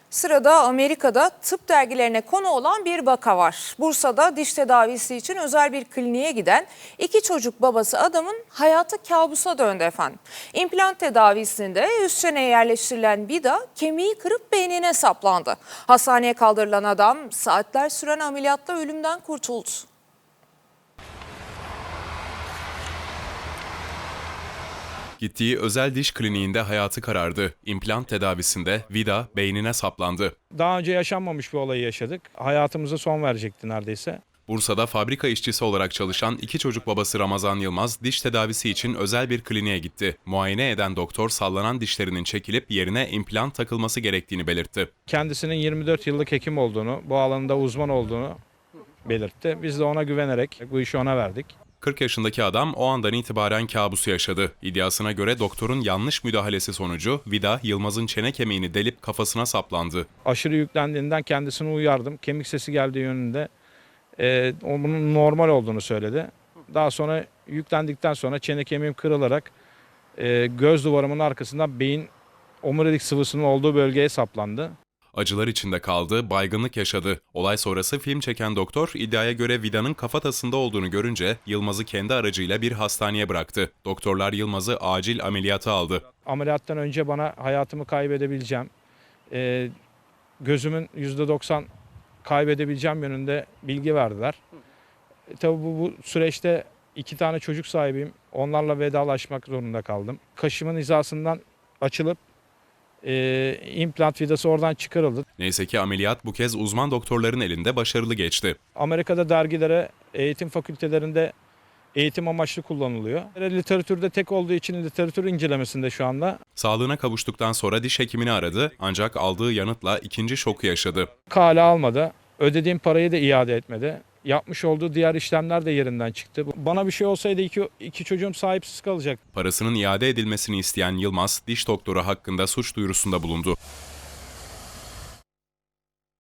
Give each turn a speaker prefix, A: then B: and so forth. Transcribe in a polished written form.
A: Sırada Amerika'da tıp dergilerine konu olan bir vaka var. Bursa'da diş tedavisi için özel bir kliniğe giden iki çocuk babası adamın hayatı kabusa döndü efendim. İmplant tedavisinde üst çeneye yerleştirilen vida kemiği kırıp beynine saplandı. Hastaneye kaldırılan adam saatler süren ameliyatla ölümden kurtuldu.
B: Gittiği özel diş kliniğinde hayatı karardı. İmplant tedavisinde vida beynine saplandı.
C: Daha önce yaşanmamış bir olayı yaşadık. Hayatımıza son verecekti neredeyse.
B: Bursa'da fabrika işçisi olarak çalışan iki çocuk babası Ramazan Yılmaz diş tedavisi için özel bir kliniğe gitti. Muayene eden doktor sallanan dişlerinin çekilip yerine implant takılması gerektiğini belirtti.
C: Kendisinin 24 yıllık hekim olduğunu, bu alanda uzman olduğunu belirtti. Biz de ona güvenerek bu işi ona verdik.
B: 40 yaşındaki adam o andan itibaren kabusu yaşadı. İddiasına göre doktorun yanlış müdahalesi sonucu vida Yılmaz'ın çene kemiğini delip kafasına saplandı.
C: Aşırı yüklendiğinden kendisini uyardım. Kemik sesi geldiği yönünde onun normal olduğunu söyledi. Daha sonra yüklendikten sonra çene kemiğim kırılarak göz duvarımın arkasından beyin omurilik sıvısının olduğu bölgeye saplandı.
B: Acılar içinde kaldı, baygınlık yaşadı. Olay sonrası film çeken doktor iddiaya göre vidanın kafatasında olduğunu görünce Yılmaz'ı kendi aracıyla bir hastaneye bıraktı. Doktorlar Yılmaz'ı acil ameliyata aldı.
C: Ameliyattan önce bana hayatımı kaybedebileceğim, gözümün %90 kaybedebileceğim yönünde bilgi verdiler. Tabii bu süreçte 2 tane çocuk sahibiyim. Onlarla vedalaşmak zorunda kaldım. Kaşımın hizasından açılıp implant vidası oradan çıkarıldı.
B: Neyse ki ameliyat bu kez uzman doktorların elinde başarılı geçti.
C: Amerika'da dergilere, eğitim fakültelerinde eğitim amaçlı kullanılıyor. Literatürde tek olduğu için literatür incelemesinde şu anda.
B: Sağlığına kavuştuktan sonra diş hekimini aradı ancak aldığı yanıtla ikinci şoku yaşadı.
C: Kale almadı. Ödediğim parayı da iade etmedi. Yapmış olduğu diğer işlemler de yerinden çıktı. Bana bir şey olsaydı iki çocuğum sahipsiz kalacak.
B: Parasının iade edilmesini isteyen Yılmaz, diş doktoru hakkında suç duyurusunda bulundu.